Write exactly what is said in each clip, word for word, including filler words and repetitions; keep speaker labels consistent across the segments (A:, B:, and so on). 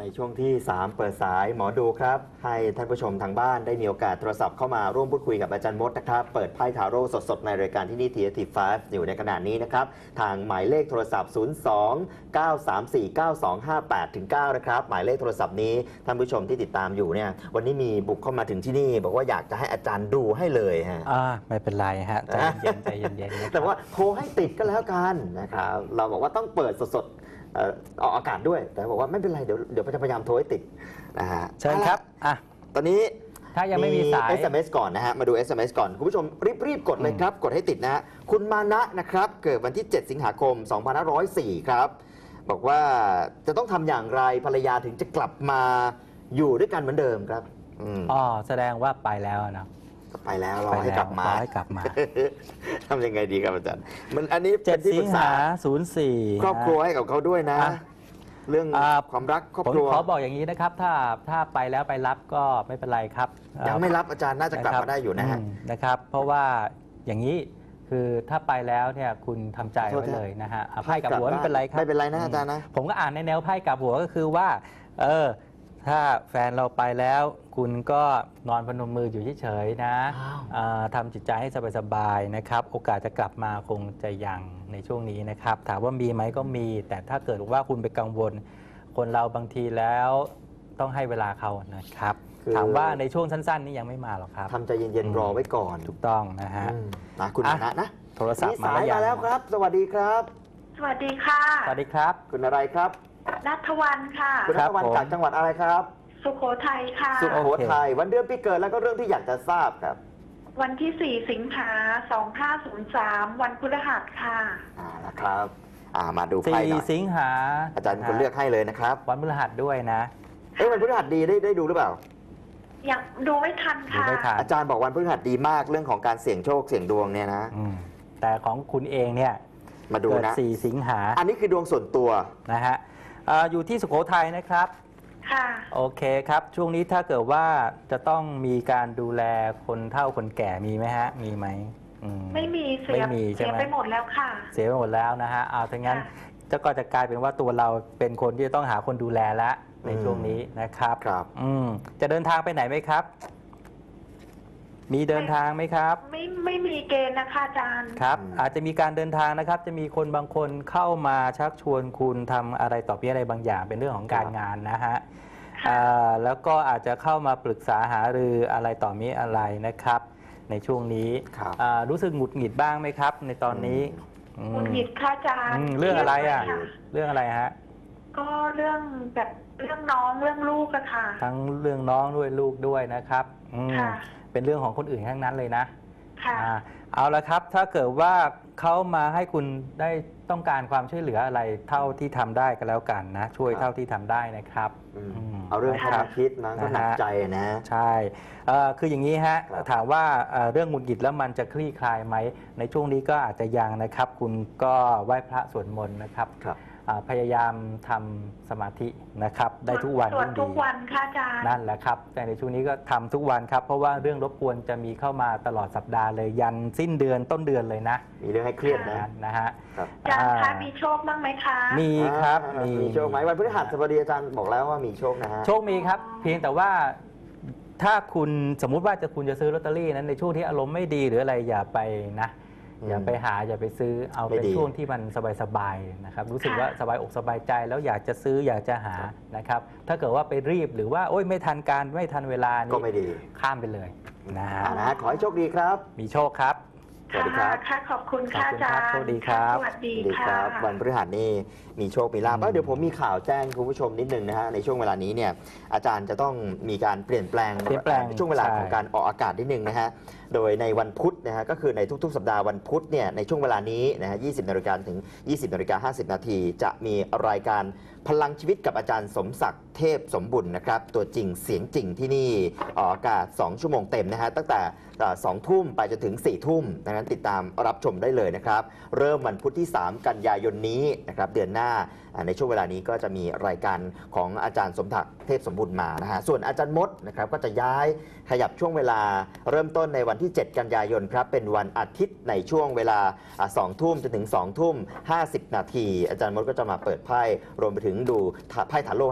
A: ช่วงที่สามเปิดสายหมอดูครับให้ท่านผู้ชมทางบ้านได้มีโอกาสโทรศัพท์เข้ามาร่วมพูดคุยกับอาจารย์มดนะครับเปิดไพ่ทาโร่สดๆในรายการที่นี่ ที เอ ที ไฟว์ อยู่ในขณะนี้นะครับทางหมายเลขโทรศัพท์ ศูนย์ สอง เก้า สาม สี่ เก้า สอง ห้า แปด เก้า นะครับหมายเลขโทรศัพท์นี้ท่านผู้ชมที่ติดตามอยู่เนี่ยวันนี้มีบุกเข้ามาถึงที่นี่บอกว่าอยากจะให้อาจารย์ดูให้เลยฮะ
B: อ่าไม่เป็นไรฮะใจเย็นใจเย็นๆ
A: แต่ว่าโทรให้ติดก็แล้วกันนะครับเราบอกว่าต้องเปิดสดๆออกอากาศด้วยแต่บอกว่าไม่เป็นไรเดี๋ยวเดี๋ยวจะพยายามโทรให้ติดนะฮะ
B: เชิญครับอ่ะ
A: ตอนนี้
B: ถ้ายังไม่มีสาย
A: เอส เอ็ม เอส ก่อนนะฮะมาดู เอส เอ็ม เอส ก่อนคุณผู้ชมรีบๆกดเลยครับกดให้ติดนะฮะคุณมานะนะครับเกิดวันที่เจ็ดสิงหาคมสองพันห้าร้อยสี่ครับบอกว่าจะต้องทำอย่างไรภรรยาถึงจะกลับมาอยู่ด้วยกันเหมือนเดิมครับ
B: อ๋อแสดงว่าไปแล้วนะ
A: ไปแล้วรอให้กลับมา
B: ให้กลับมา
A: ทำยังไงดีครับอาจารย์มันอันนี้
B: เจ็ดสิงหาศูนย์สี่
A: ครอบครัวให้กับเขาด้วยนะเรื่องความรักครอบครัว
B: ผมขอบอกอย่างนี้นะครับถ้าถ้าไปแล้วไปรับก็ไม่เป็นไรครับ
A: ยังไม่รับอาจารย์น่าจะกลับมาได้อยู่นะฮะ
B: นะครับเพราะว่าอย่างนี้คือถ้าไปแล้วเนี่ยคุณทำใจไว้เลยนะฮะไพ่กับหัวไม่เป็นไรครับ
A: ไม่เป็นไรนะอาจารย์นะ
B: ผมก็อ่านในแนวไพ่กับหัวก็คือว่าเออถ้าแฟนเราไปแล้วคุณก็นอนพนมมืออยู่เฉยๆนะทำจิตใจให้สบายๆนะครับโอกาสจะกลับมาคงจะยังในช่วงนี้นะครับถามว่ามีไหมก็มี แต่ถ้าเกิดว่าคุณไปกังวลคนเราบางทีแล้วต้องให้เวลาเขานะครับถามว่าในช่วงสั้นๆนี้ยังไม่มาหรอกครับ
A: ทำใจเย็นๆรอไว้ก่อน
B: ถูกต้องนะฮะ
A: นะคุณมานะนะ
B: โทรศัพท์มา
A: แล้วครับสวัสดีครับ
C: สวัสดีค่ะ
B: สวัสดีครับ
A: คุณอะไรครับ
C: ณัฐวรรณค่ะ
A: คุณณัฐวรรณจากจังหวัดอะไรครับ
C: สุโขทัยค่ะ
A: สุโขทัยวันเดือนปีเกิดแล้วก็เรื่องที่อยากจะทราบครับ
C: วันที่สี่สิงหาสองห้าศูนย์สามวันพฤหัสค่ะ
A: อ่านะครับอ่ามาดูไพ่หน่อย
B: สี่สิงหา
A: อาจารย์คนเลือกให้เลยนะครับ
B: วันพฤหัสด้วยนะ
A: เอ้วันพฤหัสดีได้ได้ดูหรือเปล่า
C: อยากดูไม่ทันค่ะ
A: อาจารย์บอกวันพฤหัสดีมากเรื่องของการเสี่ยงโชคเสี่ยงดวงเนี่ยนะ
B: แต่ของคุณเองเนี่ย
A: มาดูนะ
B: สี่สิงหา
A: อันนี้คือดวงส่วนตัว
B: นะฮะอยู่ที่สุโขทัยนะครับ
C: ค่ะ
B: โอเคครับช่วงนี้ถ้าเกิดว่าจะต้องมีการดูแลคนเฒ่าคนแก่มีไหมฮะมีไหม
C: ไม่มีเสียเสียไปหมดแล้วค่ะ
B: เสียไปหมดแล้วนะฮะเอาถ้างั้นจะก็จะกลายเป็นว่าตัวเราเป็นคนที่จะต้องหาคนดูแลแล้วในช่วงนี้นะครับ
A: ครับ
B: อืมจะเดินทางไปไหนไหมครับมีเดินทางไหมครับ
C: ไม่ไม่มีเกณฑ์นะคะอาจารย์
B: ครับอาจจะมีการเดินทางนะครับจะมีคนบางคนเข้ามาชักชวนคุณทำอะไรต่อไปอะไรบางอย่างเป็นเรื่องของการงานนะฮะแล้วก็อาจจะเข้ามาปรึกษาหารืออะไรต่อมีอะไรนะครับในช่วงนี้รู้สึกหงุดหงิดบ้างไหมครับในตอนนี้
C: หงุดหงิดค่ะอาจารย์
B: เรื่องอะไรอ่ะเรื่องอะไรฮะ
C: ก็เรื่องแบบเรื่องน้องเรื่องลูกอะค่ะ
B: ทั้งเรื่องน้องด้วยลูกด้วยนะครับเป็นเรื่องของคนอื่นทั้งนั้นเลยนะ
C: ค่ะ
B: เอาละครับถ้าเกิดว่าเขามาให้คุณได้ต้องการความช่วยเหลืออะไรเท่าที่ทำได้ก็แล้วกันนะช่วยเท่าที่ทำได้นะครับ
A: เอาเรื่องความคิดนะก็หนักใจนะ
B: ใช่คืออย่างนี้ฮะถามว่าเรื่องหงุดหงิดแล้วมันจะคลี่คลายไหมในช่วงนี้ก็อาจจะยังนะครับคุณก็ไหว้พระสวดมนต์นะครับพยายามทำสมาธินะครับได้ทุกวัน
C: ยิ่งดีทุกวันค่ะอาจารย์
B: นั่นแหละครับแต่ในช่วงนี้ก็ทำทุกวันครับเพราะว่าเรื่องรบกวนจะมีเข้ามาตลอดสัปดาห์เลยยันสิ้นเดือนต้นเดือนเลยนะ
A: มีเรื่องให้เครียดนะ
B: นะฮะ
C: อาจารย์คะมีโชคบ้างไหมคะ
B: มีครับ
A: มีโชคไหมวันพฤหัสบดีอาจารย์บอกแล้วว่ามีโชคนะฮะ
B: โชคมีครับเพียงแต่ว่าถ้าคุณสมมุติว่าจะคุณจะซื้อลอตเตอรี่นั้นในช่วงที่อารมณ์ไม่ดีหรืออะไรอย่าไปนะอย่าไปหาอย่าไปซื้อเอาเป็นช่วงที่มันสบายๆนะครับรู้สึกว่าสบายอกสบายใจแล้วอยากจะซื้ออยากจะหานะครับถ้าเกิดว่าไปรีบหรือว่าโอ๊ยไม่ทันการไม่ทันเวลานี่
A: ก็ไม่ดี
B: ข้ามไปเลยนะฮะ
A: นะขอให้โชคดีครับ
B: มีโชคครับ
A: สวัสดีครับ
C: ค่ะขอบคุณค่ะอาจารย์
B: สวัสดีครับ
C: สวัสดี
A: ครับวันพฤหัสนี่มีโชคมีลาภเดี๋ยวผมมีข่าวแจ้งคุณผู้ชมนิดนึงนะฮะในช่วงเวลานี้เนี่ยอาจารย์จะต้องมีการเปลี่ยนแปลงในช่วงเวลาของการออกอากาศนิดนึงนะฮะโดยในวันพุธนะฮะก็คือในทุกๆสัปดาห์วันพุธเนี่ยในช่วงเวลานี้นะฮะยี่สิบนาฬิกาถึงยี่สิบนาฬิกาห้าสิบนาทีจะมีรายการพลังชีวิตกับอาจารย์สมศักดิ์เทพสมบุญนะครับตัวจริงเสียงจริงที่นี่ออกอากาศสองชั่วโมงเต็มนะฮะตั้งแต่สองทุ่มไปจนถึงสี่ทุ่มดังนั้นติดตามรับชมได้เลยนะครับเริ่มวันพุธที่สามกันยายนนี้นะครับเดือนหน้าในช่วงเวลานี้ก็จะมีรายการของอาจารย์สมศักดิ์เทพสมบุญมานะฮะส่วนอาจารย์มดนะครับก็จะย้ายขยับช่วงเวลาเริ่มต้นในวันที่เจ็ดกันยายนครับเป็นวันอาทิตย์ในช่วงเวลาสองทุ่มจนถึงสองทุ่มห้าสิบนาทีอาจารย์มดก็จะมาเปิดไพ่รวมไปถึงดูไพ่ทาโร่ให้กับ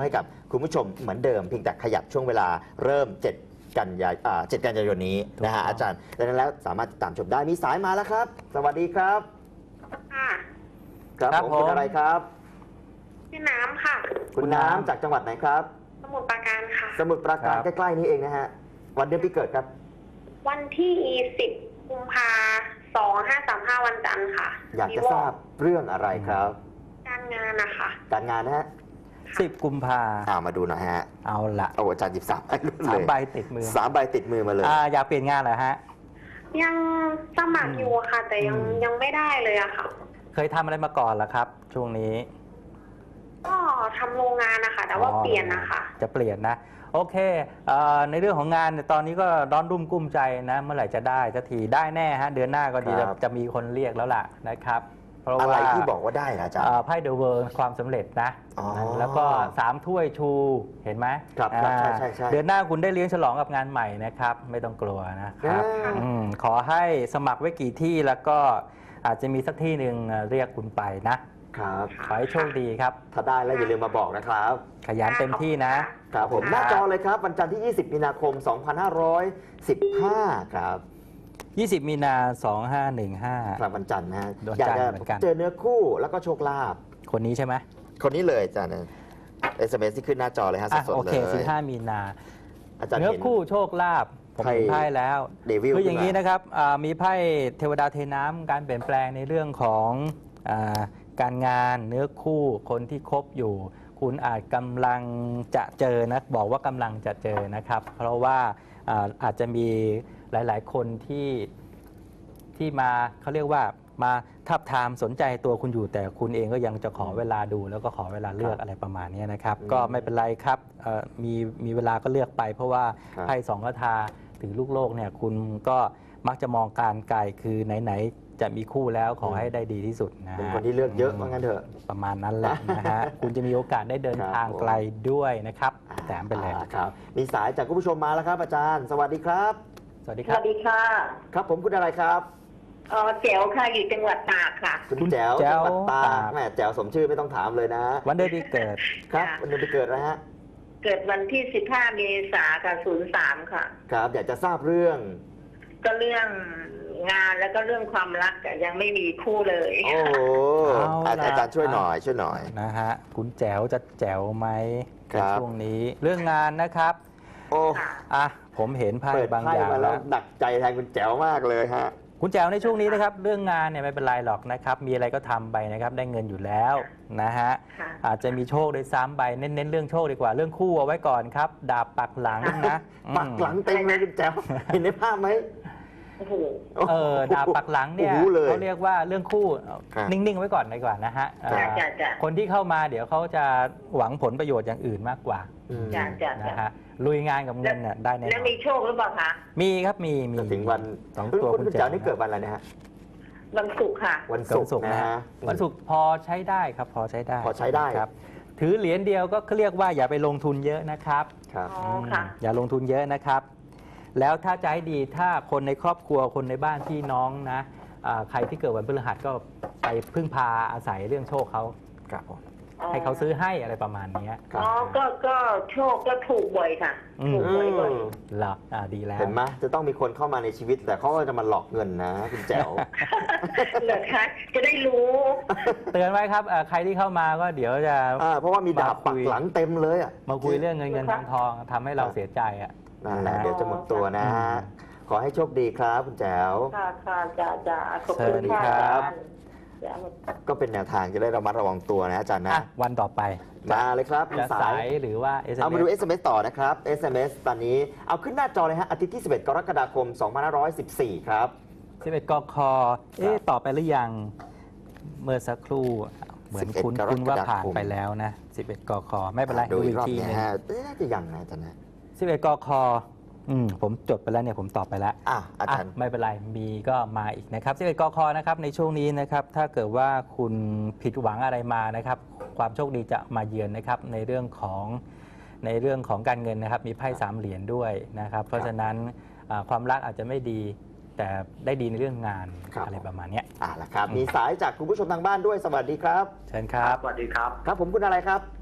A: คุณผู้ชมเหมือนเดิมเพียงแต่ขยับช่วงเวลาเริ่มเจ็ดกันยายนอ่าเจ็ดกันยายนนี้นะฮะอาจารย์ดังนั้นแล้วสามารถติดตามชมได้มีสายมาแล้วครับ สวัสดีครับ
C: ค่ะ
A: ครับ
B: ครับ
A: ผม
B: ผม
A: คุณอะไรครับ
C: ชื่อน้ำค่ะ
A: คุณน้ำจากจังหวัดไหนครับ
C: สมุทรปราการค่ะ
A: สมุทรปราการ
B: ครับ
A: ใกล้ๆนี้เองนะฮะวันเดือนปีเกิดครับ
C: วันที่สิบกุมภาสองห้าสามห้าวันจันทร์ค่ะ
A: อยากจะทราบเรื่องอะไรครับ
C: การงานนะคะ
A: การงานนะฮะ
B: สิบกุมภา
A: อ่ามาดูหน่อยฮะ
B: เอาละ
A: โอ้อาจารย์หยิบสามใบรุ่น
B: สา
A: เล
B: ม
A: ย
B: ใบติดมือ
A: สามใบติดมือมาเลย
B: อ่าอยากเปลี่ยนงานเหรอฮะ
C: ยังสมัครอยู่ค่ะ แต่ยัง
B: อืม
C: ยังไม่ได้เลยอะค่ะ
B: เคยทำอะไรมาก่อนเหรอครับ ช่วงนี้
C: ก็ทำโรงงานนะคะแต่ว่าเปลี่ยนนะคะ
B: จะเปลี่ยนนะ โอเคเอ่อในเรื่องของงานเนี่ยตอนนี้ก็ร้อนรุ่มกุ้มใจนะ เมื่อไหร่จะได้สักทีได้แน่ฮะ เดือนหน้าก็ดี
A: ครั
B: จะ
A: บ
B: จะมีคนเรียกแล้วล่ะนะครับ เพราะ
A: อะไร
B: ว่า
A: ที่บอกว่าได้นะอาจารย์
B: เอ่อไพ่เดอะเวิร์ความสำเร็จนะ
A: อ๋อ
B: แล้วก็สามถ้วยชูเห็นไหม
A: ครับครับ
B: อ่า
A: ใช่ใช่ใช่
B: เดือนหน้าคุณได้เลี้ยงฉลองกับงานใหม่นะครับ ไม่ต้องกลัวนะครับ
A: อ่า
B: อืมขอให้สมัครไว้กี่ที่แล้วก็อาจจะมีสักที่หนึ่งเรียกคุณไปนะ
A: ครับ
B: ขอให้โชคดีครับ
A: ถ้าได้แล้วอย่าลืมมาบอกนะครับ
B: ขยันเต็มที่นะ
A: ครับผมหน้าจอเลยครับ วันจันทร์ที่ ยี่สิบ มีนาคม สองพันห้าร้อยสิบห้า ครับ
B: ยี่สิบ มีนาสองห้าหนึ่งห้า
A: ครับวันจันทร์นะฮะ
B: วัน
A: อยาก
B: จันทร์
A: จะ
B: เหมือนกัน
A: เจอเนื้อคู่แล้วก็โชคลาภ
B: คนนี้ใช่ไหม
A: คนนี้เลยอาจารย์เอสเอ็มเอสที่ขึ้นหน้าจอเลยฮะ
B: อ่ะ
A: สด
B: โอ
A: ๆเล
B: เค
A: ย
B: สิบห้า มีนา
A: อาจารย์
B: เนื้อ
A: เห็น
B: คู่โชคลาภผมเห็น
A: ไพ่
B: ไพ่แล้ว
A: เดวิล
B: คืออย่างนี้
A: ขึ้นมา
B: นะครับอ่ามีไพ่เทวดาเทน้ำการเปลี่ยนแปลงในเรื่องของอาการงานเนื้อคู่คนที่คบอยู่ คุณอาจกำลังจะเจอนะบอกว่ากำลังจะเจอนะครับ เพราะว่าอ่าอาจจะมีหลาย ๆ คนที่ที่มาเขาเรียกว่ามาทับทามสนใจตัวคุณอยู่ แต่คุณเองก็ยังจะขอเวลาดูแล้วก็ขอเวลาเลือกอะไรประมาณนี้นะครับ
A: อืม
B: ก็ไม่เป็นไรครับเอ่อมีมีเวลาก็เลือกไป เพราะว่า
A: ครับ
B: ไพ่สองคาถาถึงลูกโลกเนี่ยคุณก็มักจะมองการไกลคือไหน ๆ จะมีคู่แล้วขอให้ได้ดีที่สุดนะ
A: เป็น
B: ฮะ
A: คนที่เลือกเยอะว่างั้นเถอะ
B: ประมาณนั้นแหละนะฮะ คุณจะมีโอกาสได้เดิน
A: ครับ
B: ทางไกลด้วยนะครับแถมไปเลย
A: อ่าครับมีสายจากคุณผู้ชมมาแล้วครับ อาจารย์ สวัสดีครับ
B: สวัสดี
C: ส
B: ครั
C: วั
B: บ
C: สดีค่ะ
A: ครับผมคุณอะไรครับ
C: เออเจ๋วค่ะอยู่จังหวัดตากค่ะ
A: คุณ
B: คุณ
A: แจ๋ว
B: แจ๋
A: จัง
B: ว
A: หวัดตา
B: ตาก ก
A: แม่แจ๋วสมชื่อไม่ต้องถามเลยนะ
B: วันเดือนปีเกิด
A: ครับ
C: ค่ะ
A: วันเดือนปีเกิดนะฮะ
C: เกิดวันที่สิบห้าเมษายนค่ะศูนย์สามค่ะ
A: ครับ อยากจะทราบเรื่อง
C: ก็เรื่องงานแล้วก็เรื่องความรักอะยังไม่มีคู่เลย
A: โอ้โห
B: เอาล่ะ
A: อาจารย์ช่วยหน่อยช่วยหน่อย
B: นะฮะคุณแจ๋วจะแจ๋วไหม
A: ครั
B: ใน
A: บ
B: ช่วงนี้เรื่องงานนะครับ
A: โอ้
C: ค่ะ
B: อ่ะผมเห็นไพ่
A: เปิด
B: บาง
A: ไพ่
B: อย่าง
A: มาแล้
B: แล้ว ว
A: ดักใจแทนคุณแจ๋วมากเลยฮะ
B: คุณแจ๋วในช่วงนี้นะครับ เรื่องงานเนี่ยไม่เป็นไรหรอกนะครับ มีอะไรก็ทำไปนะครับ ได้เงินอยู่แล้วนะฮะ
C: ค่ะ
B: อาจจะมีโชคด้วยซ้ำไปเน้นๆเรื่องโชคดีกว่าเรื่องคู่เอาไว้ก่อนครับ ดาบปักหลังนะอืม
A: ปักหลังเต็มเลยคุณแจ๋วเห็นในภาพไหม
C: โอ้โห
B: เออดาบปักหลังเนี่ย
A: โอ้โหเลย
B: เขาเรียกว่าเรื่องคู่
A: ครับ
B: นิ่งๆไว้ก่อนดีกว่านะฮะเอ่อ
C: จ้ะจ้ะจ้ะ
B: คนที่เข้ามาเดี๋ยวเขาจะหวังผลประโยชน์อย่างอื่นมากกว่า
A: อืม
C: จ้ะจ้ะ
B: นะ
C: จ้ะ
B: ฮะลุยงานกับเงินเนี่ยได้แน่น
C: แล้ว
B: อน
C: มีโชคหรือเปล่าคะ
B: มีครับมีมี
A: จะถึงวัน
B: สองตัว
A: คุณ
B: คุณ
A: แจ๋
B: แจ๋
A: ว
B: ว
A: นี่เกิดวันอะไรนะฮะ
C: วันศุกร์ค่ะ
A: วัน
B: วัน
A: ศุ
B: ศุ
A: ก
B: ก
A: ร์
B: ร์
A: นะ
B: นะ
A: ฮะ
B: วันศุกร์พอใช้ได้ครับพอใช้ได้
A: พอใช้ได้
B: ครับถือเหรียญเดียวก็เรียกว่าอย่าไปลงทุนเยอะนะครับ
A: ครับ
C: อ๋อค่ะ
B: มอย่าลงทุนเยอะนะครับ แล้วถ้าจะให้ดีถ้าคนในครอบครัวคนในบ้านพี่น้องนะอ่าใครที่เกิดวันพฤหัสก็ไปพึ่งพาอาศัยเรื่องโชคเขาครับผมให้เขาซื้อให้อะไรประมาณเนี้ย
A: ครับ
C: อ๋อ ก็ ก็โชคก็ถูกบ่อยค่ะ
B: อืม
C: ถูกบ่อยบ่อย
B: เหรออ่าดีแล้ว
A: เห็นไหมจะต้องมีคนเข้ามาในชีวิต แต่เขาก็จะมาหลอกเงินนะ คุณแจ๋ว
C: เหรอคะ จะได้รู้
B: เตือนไว้ครับเอ่อใครที่เข้ามาก็เดี๋ยวจะ
A: อ่าเพราะว่ามีดาบปักหลังเต็มเลยอ่ะ
B: มาคุยเรื่องเงินเงินทองทองทำให้เราเสียใจอ่ะ
A: นั่นแหละเดี๋ยวจะหมดตัวนะ
B: อืม
A: ขอให้โชคดีครับคุณแจ๋ว
C: ค่ะ ค่ะจ้าจ้าขอบ
B: เชิ
C: คุณ
B: ญ
C: ค่ะ
B: ครับ
C: จ้า
A: ก็เป็นแนวทางจะได้ระมัดระวังตัวนะอาจารย์นะ
B: อ่ะวันต่อไป
A: มาเลยครับมี
B: จะ
A: สา
B: สาย ยหรือว่า เอส เอ็ม
A: เอามา
B: เอ
A: ดู
B: ส
A: เอส เอ็ม เอส ต่อนะครับ เอส เอ็ม เอส ตอนนี้เอาขึ้นหน้าจอเลยฮะอาทิตย์ที่ สิบเอ็ด กรกฎาคม สองพันห้าร้อยสิบสี่ ครับ
B: สิบเอ็ดกคเอ๊ะต่อไปหรือยัง เมื่อสักครู่ เหมือนคุณ
A: สิบเอ็ด
B: คุณว่าผ่าน
A: กรกฎาคม
B: ไปแล้วนะ สิบเอ็ดกคไม่เป็นไร
A: ดู
B: ดู
A: อี
B: อี
A: ก
B: ก
A: รอบ
B: ที
A: เนี่
B: หนึ
A: ย
B: ง
A: ฮะเอ๊ะน่าจะยังนะอาจารย์นะ
B: สิบเอ็ดกคอืมผมจดไปแล้วเนี่ยผมตอบไปแล้ว
A: อ่ะอา
B: อ่ะ
A: จารย์
B: ไม่เป็นไร มีก็มาอีกนะครับสิบเอ็ดกคนะครับในช่วงนี้นะครับ ถ้าเกิดว่าคุณผิดหวังอะไรมานะครับ ความโชคดีจะมาเยือนนะครับในเรื่องของในเรื่องของการเงินนะครับ มีไพ่สามเหรียญด้วยนะครับ เพราะฉะนั้นอ่าความรักอาจจะไม่ดี แต่ได้ดีในเรื่องงาน
A: ครับ
B: อะไรประมาณเนี้ย
A: อ่ะละครับ มีสายจากคุณผู้ชมทางบ้านด้วย สวัสดีครับ
B: เชิญครับ
D: สวัสดีครับ
A: ครับผมคุณอะไรครับ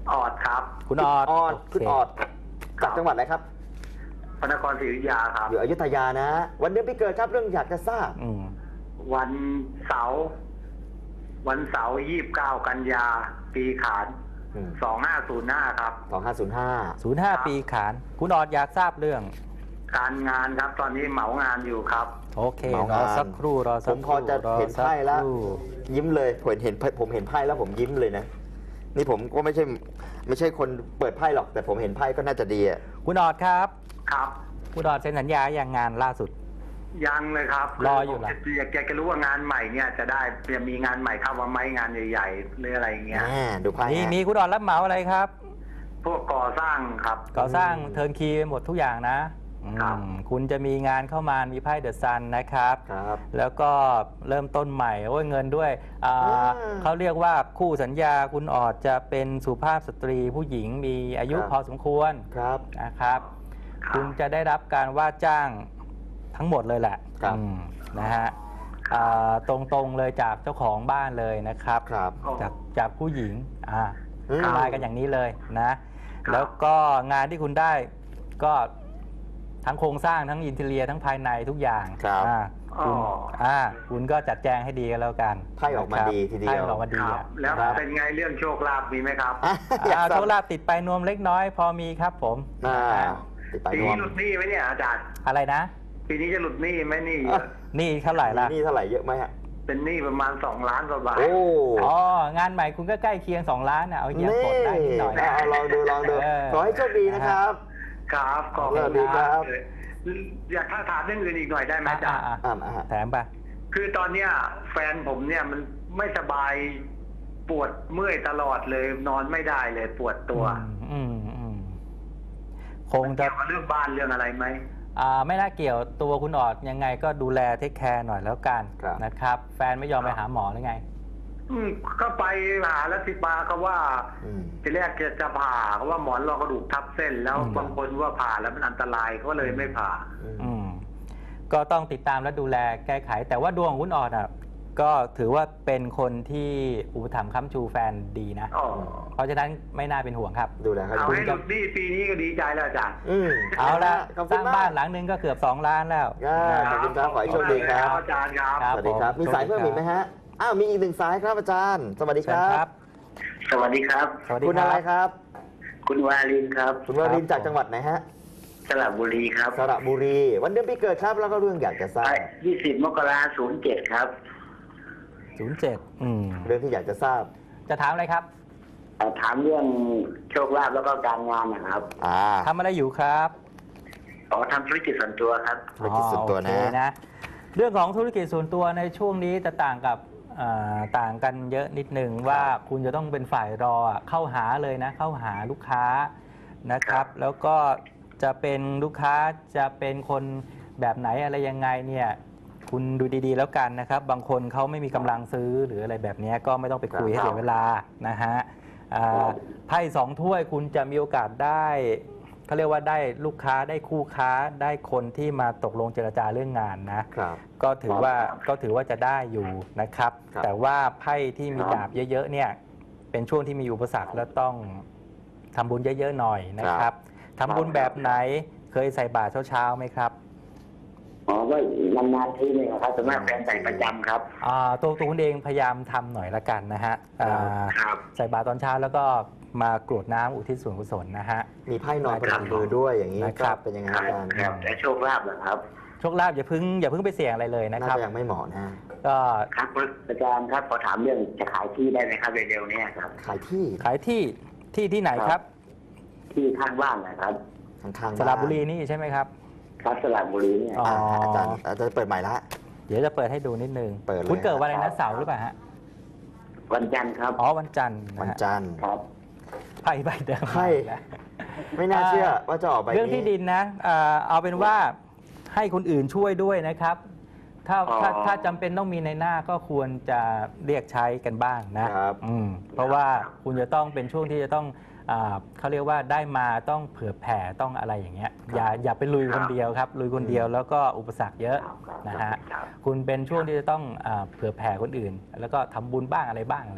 D: ออดครับ
B: คุณออด
A: ออด
B: โ
A: คุณออดจากจังหวัดอะไรครับ
D: พระนครศรีอยุธยาครับ
A: อยู่อยุธยานะ วันเดือนปีเกิดครับเรื่องอยากจะทราบ
B: อืม
D: วันเสาร์วันเสาร์ยี่สิบเก้ากันยาปีขาน
A: อืม
D: สองห้าศูนย์ห้าครับ
A: สองห้าศูนย์ห้า
B: ศูนย์ห้าปีขาน คุณออดอยากทราบเรื่อง
D: การงานครับ ตอนนี้เหมางานอยู่ครับ
B: โอเค
A: เหมาร งาน
B: อสักครู่รอ
A: ผ
B: สัก
A: ม
B: ค
A: พอ
B: รู่
A: จะ
B: รอ
A: เห็น
B: สัก
A: ไพ่แล้ว
B: ครู่
A: ยิ้มเลยผมเห็นผมเห็นไพ่แล้วผมยิ้มเลยนะ นี่ผมก็ไม่ใช่ไม่ใช่คนเปิดไพ่หรอก แต่ผมเห็นไพ่ก็น่าจะดีอ่ะ
B: คุณออดครับ
D: ครับ
B: คุณออดเซ็นสัญญาอย่างงานล่าสุด
D: ยังเลยครับ
B: รออยู่เหรอ
D: คือยากจะรู้ว่างานใหม่เนี่ยจะได้จะมีงานใหม่เข้ามาไหมงานใหญ่ๆหรืออะไรเงี้ย
A: อ่าดูไพ่
B: มี
A: ฮะ
B: มีคุณออดรับเหมาอะไรครับ
D: พวกก่อสร้างครับ
B: ก่อสร้างเทิร์นคีย์ไปหมดทุกอย่างนะครับ อืมคุณจะมีงานเข้ามามีไพ่เดอะซันนะครับ
A: ครับ
B: แล้วก็เริ่มต้นใหม่โอ้ยเงินด้วยอ่า
A: อ่า
B: เขาเรียกว่าคู่สัญญาคุณออดจะเป็นสุภาพสตรีผู้หญิงมีอายุ
A: ครับ
B: พอสมควร
A: ครับ
B: นะครับ
D: ครับ
B: คุณจะได้รับการว่าจ้างทั้งหมดเลยแหละ
A: ครับ
B: อืมนะฮะอ่าตรงๆเลยจากเจ้าของบ้านเลยนะครับ
A: ครับ
B: จากจากผู้หญิงอ่า
A: อืม
B: มากันอย่างนี้เลยนะ แล้วก็งานที่คุณได้ก็ทั้งโครงสร้างทั้งอินเทเรียทั้งภายในทุกอย่าง
A: ครับ
B: อ่าคุณ
D: อ๋อ
B: อ่าคุณก็จัดแจงให้ดีกันแล้วกัน
A: ไพ่ออกมา
B: นะครับ
A: ดีทีเดียว
B: ไพ่ออกมาดี
D: ครับ
B: อ่ะ
D: แล้ว
B: ครับ
D: เป็นไงเรื่องโชคลาภมีไหมครับ
A: อ่ะอยาก
B: อ่า
A: ทรา
B: โช
A: บ
B: คลาภติดไปนวมเล็กน้อยพอมีครับผม
A: อ่าติดไป
D: ปี
A: นว
D: นี้
A: ม
D: หลุดหนี้ไหมเนี่ยอาจารย์
B: อะไรนะ
D: ปีนี้จะหลุดหนี้ไหมหนี่
A: อ่ะ
B: นี่เท่าไหร่
A: มี
B: ละ
A: หนี่เท่าไหร่เยอะไหมฮะ
D: เป็นหนี้ประมาณสองล้านกว่าบาท
A: โอ้
B: อ๋องานใหม่คุณก็ใกล้เคียงสองล้านนะเอาเยีย
A: นี่
B: กดได้นิดหน่อยนะ
A: เอาลองดูลองดู
B: เออ
A: ขอให้โชคดีนะครับ
D: ครับขอบ
A: สวั
D: คุ
A: ส
D: ณ
A: ดีครั
D: มาก
A: บ
D: เลยอยากถ้าถามเรื่องอื่นอีกหน่อยได้ไหม
B: อ่ะ
D: อาจารย์
B: อ่ะ
A: อ่าอ่า
B: แถมไป
D: คือตอนเนี้ยแฟนผมเนี่ยมันไม่สบายปวดเมื่อยตลอดเลยนอนไม่ได้เลยปวดตัว
B: อืมอืมคงจะ
D: เกี่ยวกับเรื่องบ้านเรื่องอะไรไหม
B: อ่าไม่น่าเกี่ยวตัวคุณออดยังไงก็ดูแลเทคแคร์หน่อยแล้วกัน
A: ครับ
B: นะครับ แฟนไม่ยอมไปหาหมอหรือไง
D: อืมก็ไปหาแล้วที่ปาเขาว่า
A: อืม
D: ทีแรกจะจะผ่าเขาว่าหมอนรองกระดูกทับเส้น แล้ว
B: อืม
D: บางคนว่าผ่าแล้วมันอันตรายเขาเลยไม่ผ่า
B: อืมก็ต้องติดตามและดูแลแก้ไข แต่ว่าดวงของคุณออดอ่ะก็ถือว่าเป็นคนที่อุปถัมภ์ค้ำชูแฟนดีนะ
D: อ๋อ
B: เพราะฉะนั้นไม่น่าเป็นห่วงครับ
A: ดูแลเขา
D: เอา
A: ดี
D: ให้หลุดหนี้ปีนี้ก็ดีใจแล้วอาจารย์
A: อืม
B: เอาละ
A: ขอบ
B: ส
A: คุณ
B: ร้าง
A: มก
B: บ้านหลังหนึงก็เกือบสองล้านแล้ว
A: อ่า ขอบคุณครับขอให้โชคดีครับ
D: อาจารย์ครับ
B: ครับ
A: สวัสดีครับ
B: ผม
A: มีสายเพิ่ม
B: โชคดีครับ
A: อีกไหมฮะ อ้าว มีอีกหนึ่งสายครับอาจารย์ สวัสดี
B: เชิ
A: ค
B: ญ
A: รับ
B: ครับ
D: สวัสดีครับ
B: สวัสดี
A: คุณ
B: ค
A: อะไร
B: รับ
A: ครับ
D: คุณวาลินครับ
A: คุณวรินทร์
B: ครับ
A: จากจังหวัดไหนฮะ
D: สระบุรีครับ
A: สระบุรี วันเดือนปีเกิดครับ แล้วก็เรื่องอยากจะทราบ
D: ยี่สิบมกราศูนย์เจ็ดครับ
B: ศูนย์เจ็ดอืม
A: เรื่องที่อยากจะทราบ
B: จะถามอะไรครับ
D: ถามเรื่องโชคลาภแล้วก็การงานนะครับ
A: อ่า
B: ทำอะไรอยู่ครับ
D: อ๋อทำธุรกิจส่วนตัวครับ
A: ธุรกิจส่วนตัวนะ
B: อ๋อโอเคนะ เรื่องของธุรกิจส่วนตัวในช่วงนี้จะต่างกับอ่าต่างกันเยอะนิดหนึ่งว่าคุณจะต้องเป็นฝ่ายรออ่ะเข้าหาเลยนะ เข้าหาลูกค้านะครับ แล้วก็จะเป็นลูกค้าจะเป็นคนแบบไหนอะไรยังไงเนี่ยคุณดูดีๆแล้วกันนะครับ บางคนเขาไม่มีกำลังซื้อหรืออะไรแบบนี้ก็ไม่ต้องไปคุยให้เสียเวลานะฮะอ่าไพ่สองถ้วยคุณจะมีโอกาสได้เขาเรียกว่าได้ลูกค้าได้คู่ค้าได้คนที่มาตกลงเจรจาเรื่องงานนะ
A: ครับ
B: ก็ถือว่าก็ถือว่าจะได้อยู่นะครับ
A: ครับ
B: แต่ว่าไพ่ที่มีดาบเยอะๆเนี่ยเป็นช่วงที่มีอุปสรรคและต้องทำบุญเยอะๆหน่อยนะครับทำบุญแบบไหนเคยใส่บาตรเช้าๆไหมครับ
D: อ๋อก็นานๆทีนึงครับส่วนมากแฟนใส่ประจำครับ
B: อ่าตัวตัวคุณเองพยายามทำหน่อยละกันนะฮะอ่า
D: ครับ
B: ใส่บาตรตอนเช้าแล้วก็มากรวดน้ำอุทิศส่วนกุศลนะฮะ
A: มีไพ่นอนประจำมือด้วยอย่างนี้
B: นะครับ
A: เป็นยังไง
D: ครับ
A: อาจารย์
D: ครับแต่โชคลาภเหรอครับ
B: โชคลาภอย่าเพึ่งอย่าเพึ่งไปเสี่ยงอะไรเลยนะ
A: น่า
B: ครับ
A: จะยังไม่เหมาะนะ
B: ก็
D: ครับอาจารย์ครับขอถามเรื่องจะขายที่ได้ไหมครับเร็วๆนี้ครับ
A: ขายที่
B: ขายที่ที่ที่ไหนครับ
D: ที่ข้างบ้านนะครับ
A: ข้างๆ
B: สระบุรี
A: าน
B: นี่ใช่ไหมครับ
D: ครับสระบุรีเนี่ย
B: อ๋อ
A: อ่าอาจารย์อาจารย์เปิดใหม่ละ
B: เดี๋ยวจะเปิดให้ดูนิดนึง
A: เปิดเลย
B: คุณเกิดวันอะไรนะเสาร์หรือเปล่าฮะ
D: วันจันทร์ครับ
B: อ๋อวันจันทร์ะฮะ
A: วันจันทร์
D: ครับ
B: ไพ่ใบเดิม
A: ไพ่
B: นะ
A: ไม่น่าเชื่อว่าจะออกไป
B: เรื่องที่ดินนะอ่าเอาเป็นว่าให้คนอื่นช่วยด้วยนะครับ ถ้า
D: อ๋อ
B: ถ้าถ้าจำเป็นต้องมีในหน้าก็ควรจะเรียกใช้กันบ้างนะครับ อืมเพราะว่าคุณจะต้องเป็นช่วงที่จะต้องอ่าเขาเรียกว่าได้มาต้องเผื่อแผ่ต้องอะไรอย่างเงี้ยอย่าอย่าไปลุยคนเดียวครับลุยคนเดียวแล้วก็อุปสรรคเยอะ
D: ครับ
B: นะฮะ
D: ครับ
B: คุณเป็นช่วงที่จะต้องอาเผื่อแผ่คนอื่น แล้วก็ทำบุญบ้างอะไรบ้างอะไรเงี้ย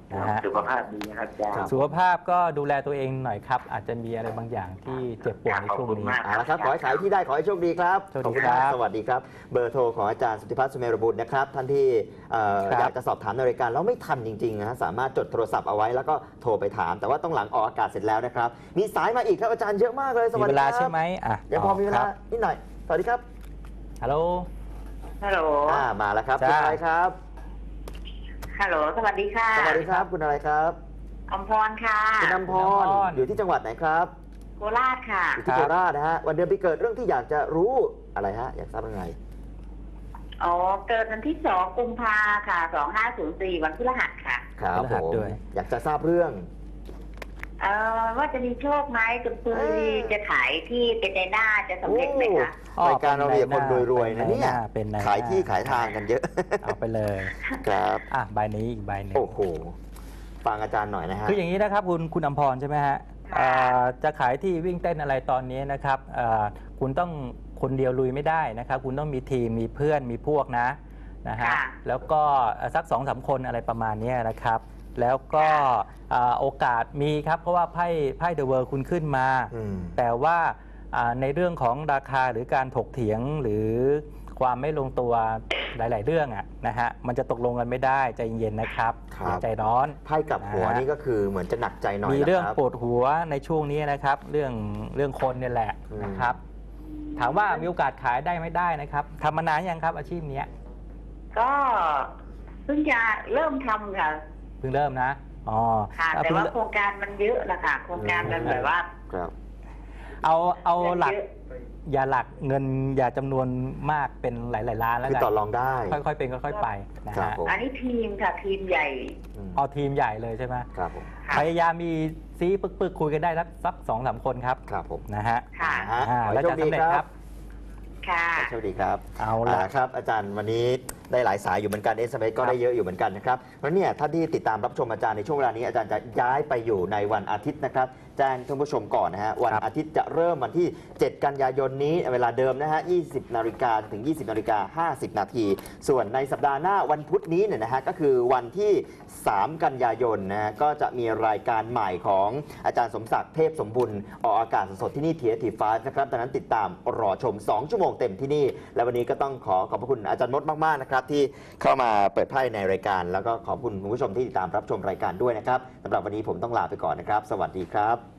B: นะฮะ
D: สุขภาพดีนะครับอาจาร
A: ครับ
D: ย์
B: สุขภาพก็ดูแลตัวเองหน่อยครับ อาจจะมีอะไรบางอย่างที่เจ็บปวดในช่วง
D: ขอบคุณ
B: นี้
D: มาก
A: เอาละครับ ขอให้ขายที่ได้ ขอให้โชคดีครับ
B: สวัส
A: ข
B: ดี
A: อบคุณ
B: ครับ
A: มากสวัสดีครับ เบอร์โทรของอาจารย์สุทธิพัฒน์สุเมรบุตรนะครับ ท่านที่เอ่อ
B: ครับ
A: อยากจะสอบถามในรายการแล้วไม่ทันจริงๆนะฮะสามารถจดโทรศัพท์เอาไว้แล้วก็โทรไปถาม แต่ว่าต้องหลังออกอากาศเสร็จแล้วนะครับ มีสายมาอีกครับอาจารย์เยอะมากเลย ส
B: มี
A: วัส
B: เว
A: ดีค
B: ลา
A: รับ
B: ใช่ไหมอ่ะ
A: ยังพอมีเว
B: ค
A: ลา
B: รับ
A: นิดหน่อย สวัสดีครับ
B: ฮัลโหล
C: ฮัลโหล
A: อ่ามาแล้วครับ
B: จ้า
A: คุณอะไรครับ
C: ฮัลโหล สวัสดีค่ะ
A: สวัสดีครับ คุณอะไรครับ
C: อมพรค่ะ
A: คุณน้ำพ
B: คุณ
A: ร
B: น้ำพร
A: อยู่ที่จังหวัดไหนครับ
C: โคราชค่ะ
A: อยู่ที่โคราชนะฮะวันเดือนปีเกิดเรื่องที่อยากจะรู้อะไรฮะอยากทราบเรื่องอะไร
C: อ๋อ เกิดวันที่สองกุมภาค่ะ สองห้าศูนย์สี่วันพฤหัสค่ะ
A: ครับ
B: พฤ
A: ผ
B: หัส
A: ม
B: ด้วย
A: อยากจะทราบเรื่อง
C: เอ่อว่าจะมีโชคไหมคุณปุ้
A: เอ้
C: ย
A: ย
C: จะขายที่เป็นในหน้าจะสำเร็จไหมคะ
A: โอ้รายการเราเนี่ยคนรวยๆนะเนี่ย
B: เป็นในหน้
A: ขายที่ขายทางกันเยอะ
B: เอาไปเลย
A: ครับ
B: อ่ะใบนี้อีกใบหนึ่ง
A: โอ้โห ฟังอาจารย์หน่อยนะฮะ
B: คืออย่างนี้นะครับคุณคุณอมพรใช่ไหมฮะ
C: ค่ะ
B: เอ่อจะขายที่วิ่งเต้นอะไรตอนนี้นะครับเอ่อคุณต้องคนเดียวลุยไม่ได้นะครับ คุณต้องมีทีมมีเพื่อนมีพวกนะนะฮะ
C: ค่ะ
B: แล้วก็สักสองสามคนอะไรประมาณนี้นะครับ แล้วก็เอ่อโอกาสมีครับเพราะว่าไพ่ไพ่เดอะเวิร์คุณขึ้นมา
A: อืม
B: แต่ว่าอ่าในเรื่องของราคาหรือการถกเถียงหรือความไม่ลงตัวหลาย ๆ เรื่องอะนะฮะมันจะตกลงกันไม่ได้ใจเย็นๆนะครับ
A: ครับ
B: อย่าใจร้อน
A: ไพ่กลับหัว
B: นะฮะ
A: นี่ก็คือเหมือนจะหนักใจหน่อย
B: มีเรื่อง
A: นะครับ
B: ปวดหัวในช่วงนี้นะครับ เรื่องเรื่องคนเนี่ยแหละ
A: อืม
B: นะครับ ถามว่ามีโอกาสขายได้ไม่ได้นะครับทำมานานยังครับอาชีพเนี้ย
C: ก็เพิ่งจะเริ่มทำค่ะ
B: เพิ่งเริ่มนะอ๋อ
C: ค่ะ
B: เอา
C: แต่
B: เพิ่ง
C: ว่าโครงการมันเยอะนะคะโครงการมันแบบว่า
A: ครับ
B: เอาเอาหลัก
C: เยอะ
B: อย่าหลักเงินอย่าจำนวนมากเป็นหลาย ๆ ล้านแล้ว
A: คือ
B: กัน
A: ต่อรองได้
B: ค่อย ๆ เป็นค่อย ๆ ไปนะครับ ฮะ
A: ผม
C: อันนี้ทีมค่ะ ทีมใหญ่
A: อืม
B: เอาทีมใหญ่เลยใช่ไหม
A: ครับผม
C: ค่ะ
B: พยายามมีซีปึกๆคุยกันได้สักสักสองสามคนครับ
A: ครับผม
B: นะฮะ
C: ค่ะ
A: ฮะ
B: อ่า
A: ขอ
B: แล้ว
A: ให้โช
B: จะ
A: คดี
B: สำเร็จ
A: ค
B: ค
A: รั
B: รับ บ
C: ค่ะ
A: ขอให้โชคดีครับ
B: เอาละ
A: ครับอาจารย์วันนี้ได้หลายสายอยู่เหมือนกัน เอส เอ็ม เอส ก็ได้เยอะอยู่เหมือนกันนะครับเพราะเนี่ยท่านที่ติดตามรับชมอาจารย์ในช่วงเวลานี้อาจารย์จะย้ายไปอยู่ในวันอาทิตย์นะครับแจ้งท่านผู้ชมก่อนนะฮะวัน
B: ครับ
A: อาทิตย์จะเริ่มวันที่ เจ็ด กันยายนนี้เวลาเดิมนะฮะยี่สิบนาฬิกาถึง ยี่สิบนาฬิกาห้าสิบนาทีส่วนในสัปดาห์หน้าวันพุธนี้เนี่ยนะฮะก็คือวันที่ สาม กันยายนนะฮะก็จะมีรายการใหม่ของอาจารย์สมศักดิ์เทพสมบุญออกอากาศสดๆที่นี่ ที เอส ที ไฟว์ นะครับดังนั้นติดตามรอชม สอง ชั่วโมงเต็มที่นี่ และวันนี้ก็ต้องขอขอบพระคุณอาจารย์มดมากๆนะครับที่เข้ามาเปิดไพ่ในรายการ แล้วก็ขอบคุณคุณผู้ชมที่ติดตามรับชมรายการด้วยนะครับสำหรับวันนี้ผมต้องลาไปก่อนนะครับ สวัสดีครับ